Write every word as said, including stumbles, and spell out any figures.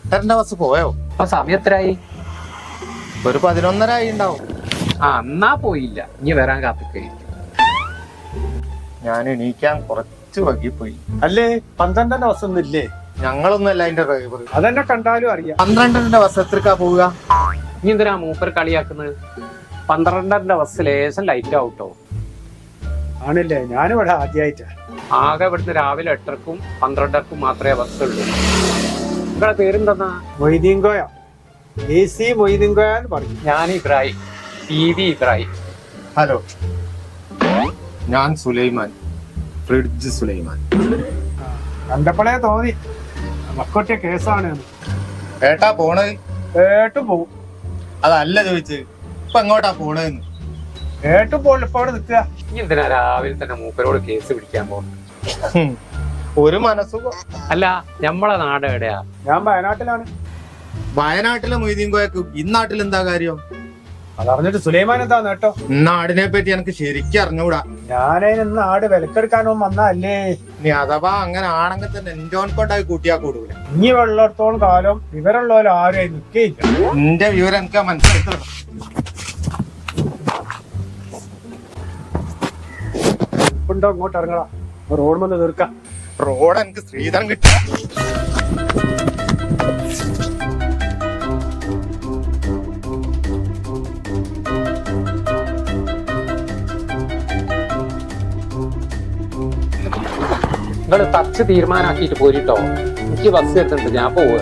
എട്ടരന്റെ bus പോയോ? അപ്പൊ സമയം എത്രയായി? ഒരു പതിനൊന്നര ആയി ഉണ്ടാവും. ആ എന്നാ പോയില്ല, ഇനി വരാൻ കാത്തിക്കഴിഞ്ഞു. ഞാൻ എണീക്കാൻ കുറച്ച് വൈകിപ്പോയി. അല്ലേ പന്ത്രണ്ടന്റെ ബസ് ഒന്നും ഇല്ലേ? ഞങ്ങളൊന്നുമല്ല അതിന്റെ ഡ്രൈവർ. അതെന്നെ കണ്ടാലും അറിയാം. പന്ത്രണ്ടരന്റെ ബസ് എത്രക്കാ പോവുക? ഇനി എന്തിനാ മൂപ്പർ കളിയാക്കുന്നത്? പന്ത്രണ്ടരന്റെ ബസ് ലേശം ലൈറ്റ് ആവട്ടോ. ആണില്ലേ, ഞാനിവിടെ ആദ്യമായിട്ടാ. ആകെ ഇവിടുന്ന് രാവിലെ എട്ടരക്കും പന്ത്രണ്ടരക്കും മാത്രമേ ബസ് ഉള്ളൂ. നിങ്ങളെ പേരെന്തെന്നാ? മൊയ്തീൻകോയ, എ സി മൊയ്തീൻകോയ എന്ന് പറയും. ഞാൻ Ibrahim, T V Ibrahim. Hello, ഞാൻ സുലൈമാൻ, ഫ്രിഡ്ജ് സുലൈമാൻ. കണ്ടപ്പോഴേ തോന്നി മക്കൊട്ടിയ കേസാണ്. ഏട്ടാ പോണത്? ഏട്ടും പോവും. അതല്ല ചോദിച്ചത്, ഇപ്പൊ എങ്ങോട്ടാ പോണതെന്ന്. ഏട്ടും പോകില്ല, ഇപ്പൊ അവിടെ നിൽക്കുക. ഇനി എന്തിനാ രാവിലെ തന്നെ മൂപ്പരോട് കേസ് പിടിക്കാൻ പോകുന്നത്? ഒരു മനസ്സുഖം. അല്ല, ഞമ്മളെ നാട് എവിടെയാ? ഞാൻ വയനാട്ടിലാണ്. വയനാട്ടിലെ മൊയ്തീൻ കോയക്ക് ഇന്നാട്ടിൽ എന്താ കാര്യം? അതറിഞ്ഞിട്ട് സുലൈമാൻ എന്താ നേട്ടോ? നാടിനെ പറ്റി എനിക്ക് ശരിക്കും അറിഞ്ഞൂടാ. ഞാനതിന് ആട് വിലക്കെടുക്കാനോ വന്നല്ലേ. നീ അഥവാ അങ്ങനെ ആണെങ്കിൽ തന്നെ എൻജോൺ കൊണ്ടായി കൂട്ടിയാ കൂടൂല. ഇനി വെള്ളത്തോളം കാലം വിവരമുള്ളവരും ആരും നിൽക്കയില്ല. എന്റെ വിവരം എനിക്ക് മനസ്സിലാക്കി. ഉണ്ടോ ഇങ്ങോട്ട് ഇറങ്ങടാ, റോഡ് വന്ന് തീർക്കാം. റോഡ് എനിക്ക് ശ്രീധരൻ കിട്ടി. നിങ്ങൾ തച്ച് തീരുമാനാക്കിയിട്ട് പോരിട്ടോ. എനിക്ക് ബസ് എത്തുന്നുണ്ട്, ഞാൻ പോവുക.